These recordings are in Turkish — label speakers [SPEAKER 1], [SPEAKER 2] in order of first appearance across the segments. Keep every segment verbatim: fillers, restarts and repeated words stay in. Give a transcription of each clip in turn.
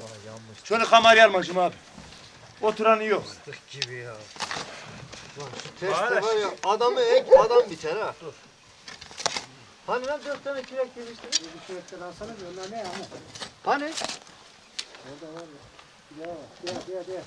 [SPEAKER 1] Şunu kameraya almışım abi. Oturanı yok.
[SPEAKER 2] Fıstık gibi ya. Lan şu teste var ya, adamı ek adam biter ha. Dur. Hani lan dört tane kürek geliştirin?
[SPEAKER 3] Bir kürekten alsana bir onlar ne ya?
[SPEAKER 2] Hani?
[SPEAKER 3] Orada var ya. Ya gel gel gel.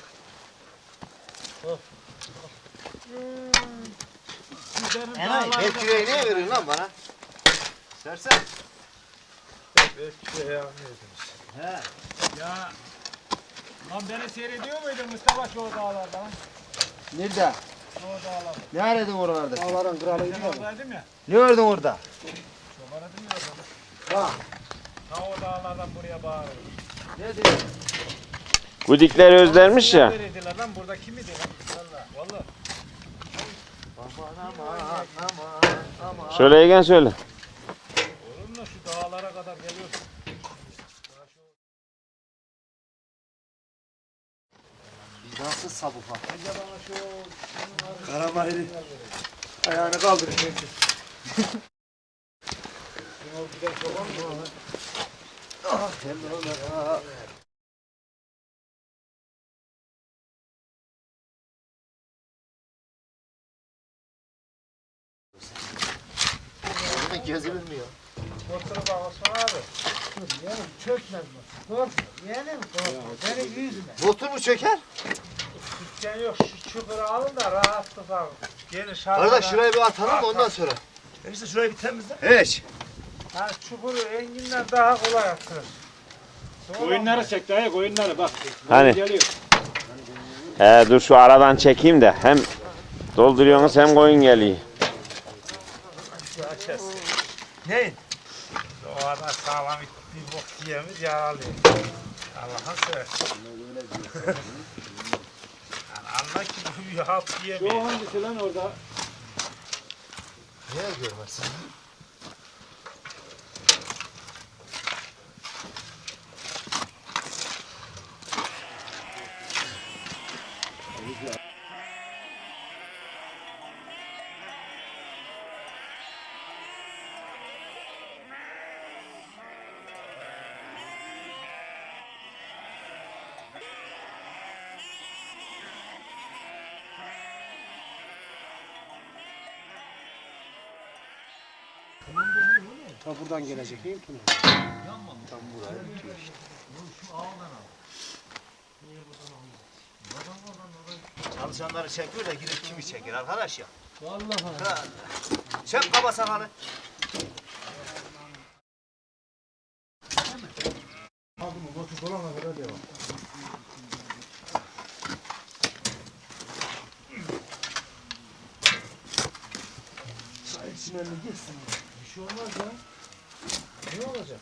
[SPEAKER 2] Enayi, el küreği niye veriyorsun lan bana? Sersen.
[SPEAKER 4] El küreği almıyordunuz.
[SPEAKER 2] He.
[SPEAKER 4] Ya lan beni seyrediyor muydun Mustafa şu dağlarda?
[SPEAKER 2] Nerede?
[SPEAKER 4] Şu dağlarda.
[SPEAKER 2] Ne aradın oralarda?
[SPEAKER 3] Dağların kralıydı
[SPEAKER 4] Ben
[SPEAKER 3] ya.
[SPEAKER 4] oradaydım ya.
[SPEAKER 2] Ne gördün orada?
[SPEAKER 4] Çok aradım ya orada.
[SPEAKER 2] Ha.
[SPEAKER 4] Ta o dağlardan buraya bağırıyor.
[SPEAKER 2] Ne diyorsun?
[SPEAKER 5] Gudikler özlermiş ya.
[SPEAKER 4] Neredeydiler lan burada kimidi lan? Valla valla.
[SPEAKER 2] Aman aman aman aman.
[SPEAKER 5] Şöyle Egen söyle.
[SPEAKER 4] Olur mu şu dağlara kadar geliyorsun?
[SPEAKER 2] Nasıl sabık var?
[SPEAKER 1] Karamahiri. Ayağını kaldırın.
[SPEAKER 2] Ah, hem de ona. Gözü bilmiyor.
[SPEAKER 4] Motoru bak Osman abi.
[SPEAKER 3] Yeğenim çökmez bu. Korkma. Yeğenim korkma. Beni yüzme.
[SPEAKER 2] Motor mu çöker?
[SPEAKER 4] Dükkan yok şu çukuru alın da rahatlık alın. Gelin şarkıda.
[SPEAKER 2] Kardeş şurayı bir atalım da ondan sonra.
[SPEAKER 1] İşte şurayı bir temizle.
[SPEAKER 2] Hiç.
[SPEAKER 4] Yani çukuru enginden daha kolay atılır.
[SPEAKER 6] Koyunları çek dayı koyunları bak.
[SPEAKER 5] Hani?
[SPEAKER 6] Geliyor.
[SPEAKER 5] He dur şu aradan çekeyim de hem dolduruyorsunuz hem koyun geliyor.
[SPEAKER 1] Neyin?
[SPEAKER 4] O kadar sağlam bir bok yiyemiz yaralıyor. Allah'ın seversen. Yani anla ki bu bir halt
[SPEAKER 6] Şu
[SPEAKER 4] yiyemiyor.
[SPEAKER 6] hangisi lan orada?
[SPEAKER 2] Niye görmezsin?
[SPEAKER 3] Ta buradan gelecek değil mi?
[SPEAKER 2] Tam buraya bitiyor işte. Çalışanları çekiyor da gidip kimi çeker arkadaş ya?
[SPEAKER 3] Vallahi.
[SPEAKER 2] Ha. Çek kaba sakalı.
[SPEAKER 3] Bir şey olmaz ya. Ne olacak?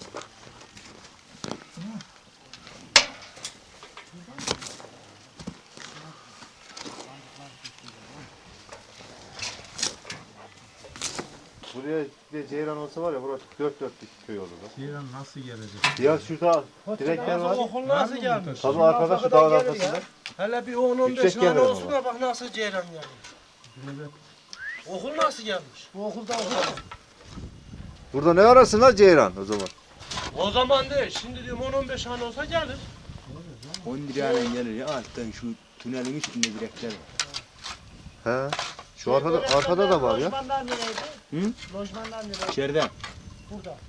[SPEAKER 7] Buraya bir ceyran olsa var ya burası dört dörtlük köy olur.
[SPEAKER 6] Ceylan nasıl gelecek?
[SPEAKER 7] Ya şurada direkler var.
[SPEAKER 3] Okul nasıl gelmiş?
[SPEAKER 7] Tabii arkada şu dağın arkasında.
[SPEAKER 3] Hele bir on on beş
[SPEAKER 7] Yüksek
[SPEAKER 3] tane
[SPEAKER 7] yerler
[SPEAKER 3] olsun da bak nasıl ceyran gelmiş. Okul nasıl gelmiş? Bu okulda okul.
[SPEAKER 7] Burada ne arasın lan ceyran o zaman?
[SPEAKER 3] O zaman değil. Şimdi diyorum on on beş tane olsa gelir.
[SPEAKER 8] on lirayla gelir ya alttan şu tünelin üstünde direkler var.
[SPEAKER 7] He. Şu arkada arkada da var ya.
[SPEAKER 3] Lojmanlar nereydi?
[SPEAKER 8] Hı?
[SPEAKER 3] Lojmanlar nereydi?
[SPEAKER 8] İçeriden.
[SPEAKER 3] Burada.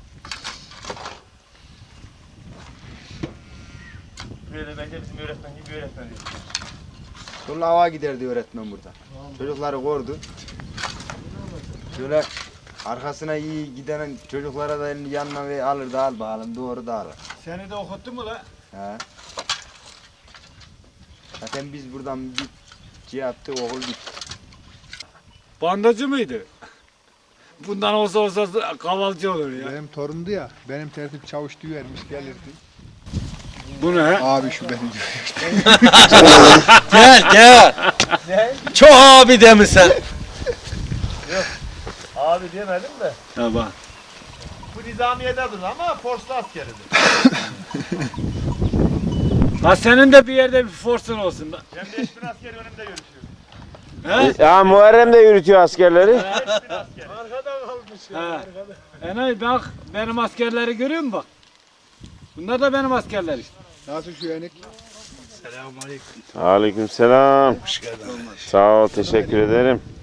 [SPEAKER 1] Böyle bence bizim öğretmen gibi bir öğretmen değil.
[SPEAKER 8] Sonra hava giderdi öğretmen burada. Çocukları kordu. Şöyle arkasına iyi giden çocuklara da elini yanına ve alır da al bakalım doğru da alır.
[SPEAKER 4] Seni de okuttu mu la?
[SPEAKER 8] He. Zaten biz buradan bir şey yaptık okul bitti.
[SPEAKER 6] Bandacı mıydı? Bundan olsa olsa kavalcı olur ya.
[SPEAKER 9] Benim torundu ya, benim tertip çavuş vermiş gelirdi.
[SPEAKER 6] Bu ne?
[SPEAKER 9] Abi şu benim.
[SPEAKER 2] Gel gel. Çok abi demişsen.
[SPEAKER 1] Abi diyemedim de.
[SPEAKER 6] Tamam.
[SPEAKER 1] Bu nizamiyededir ama forslu askeridir.
[SPEAKER 6] Ha senin de bir yerde bir forsun olsun.
[SPEAKER 1] Ben beş bin askeri önümde yürütüyorum.
[SPEAKER 6] He?
[SPEAKER 5] Ya Muharrem de yürütüyor askerleri.
[SPEAKER 1] beş bin askeri.
[SPEAKER 3] Arkada kalmış ya.
[SPEAKER 6] He.
[SPEAKER 3] Arkada.
[SPEAKER 6] Enay bak benim askerleri görüyor musun bak? Bunlar da benim askerler işte.
[SPEAKER 9] Nasıl şu yenik?
[SPEAKER 1] Selamünaleyküm.
[SPEAKER 5] Aleykümselam.
[SPEAKER 1] Hoş geldin.
[SPEAKER 5] Sağ ol, teşekkür ederim.